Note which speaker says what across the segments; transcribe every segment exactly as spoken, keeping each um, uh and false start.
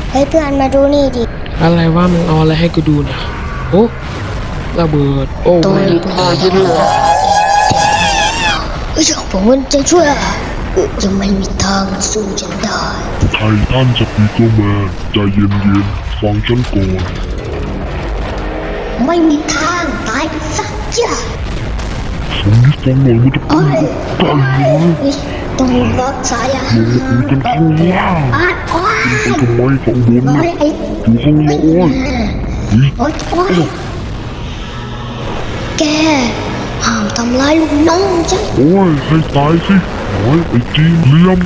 Speaker 1: เฮ้ยเพื่อนมาดูนี่ดิ
Speaker 2: อะไรว่ามึงเอาอะไรให้กูดูเนี่ยโอ้ระเบิดโอ้ไม่พอยินเลย
Speaker 1: เฮ้ยผมมันจะช่วยยังไม่มีทางสู้ฉันได้
Speaker 3: ไททันสปีกเกอร์แมนใจเย็นๆฟังฉันก่อน
Speaker 1: ไม่มีทางตายสักจ้ะ
Speaker 3: สมนิสัยหน่อยมันจะเป็นกันเลย
Speaker 1: ต้องรักษาอย่าง
Speaker 3: ลงมาคุยกันข้างล่าง
Speaker 1: อ้าวอ้าว
Speaker 3: ทำไมข้างบนเนี่ยอยู่ข้างล่างโอ้ย
Speaker 1: โอ๊ยแกห้ามทำร้ายลูกน้องฉัน
Speaker 3: โอ้ยให้ตายสิโอ้ยไอ้จีนเลี้ยม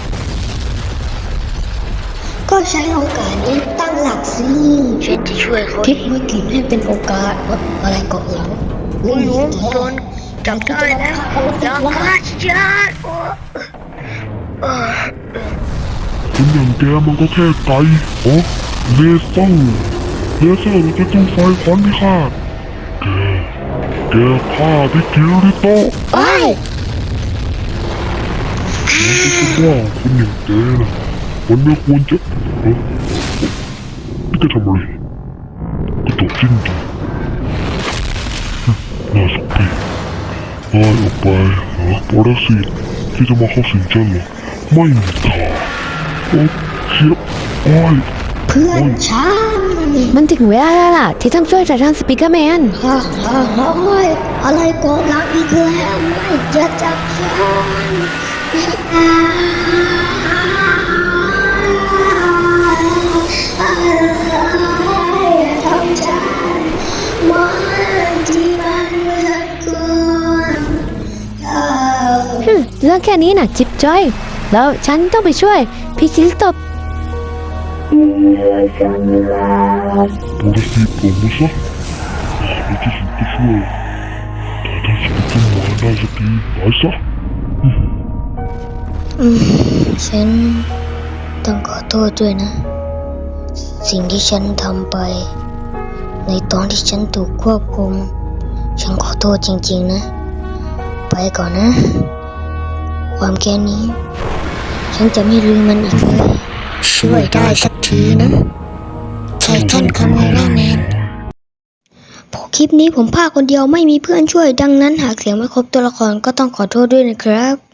Speaker 1: ก็ใช้โอกาสนี้ตั้งหลักสิฉันจะช่วยเขาคิดวิกฤตให้เป็นโอกาสอะไรก็แล้วไม่รู้โดนจับได้แล้วจับขาฉัน
Speaker 3: คนอย่างแกมันก็แค่ไก่โอ้เลเซอร์เลเซอร์มันจะตู้ไฟควันพิฆาตแกแกฆ่าที่คิริโตะ
Speaker 1: ไอ้
Speaker 3: มันก็ว่าคนอย่างแกนะมันไม่ควรจะเฮ้ยนี่จะทำอะไรกระโดดจิ้งดีน่าสงสารไล่ออกไปเหรอปรสิตที่จะมาเข้าสิงฉันเหรอไม่มีทางโอ้เชียบโอ้ย
Speaker 1: เพื่อนฉัน
Speaker 4: มันถึงเวลาแล้วล่ะที่ต้องช่วยไททันสปีกเกอร์แมน
Speaker 1: ฮ่าฮ่าฮ่าอะไรก็รักอีกแล้วไม่จะจับฉันทำฉันมันที่มันเลือดกลัว
Speaker 4: เรื่องแค่นี้น่ะจิ๊บจ้อยแล้วฉันต้องไปช่วยพี่คิริโตะ
Speaker 3: ปรสิตผมนะซะในที่สุดก็ช่วยแต่ถ้าสกิลมาได้สักทีไปซะ
Speaker 1: ฉันต้องขอโทษด้วยนะสิ่งที่ฉันทำไปในตอนที่ฉันถูกควบคุมฉันขอโทษจริงๆนะไปก่อนนะความแค้นนี้ฉันจะไม่ลืมมันอีกเลยช่วยได้สักทีนะไททันคาเมล่าแมนพอคลิปนี้ผมพากคนเดียวไม่มีเพื่อนช่วยดังนั้นหากเสียงไม่ครบตัวละครก็ต้องขอโทษด้วยนะครับ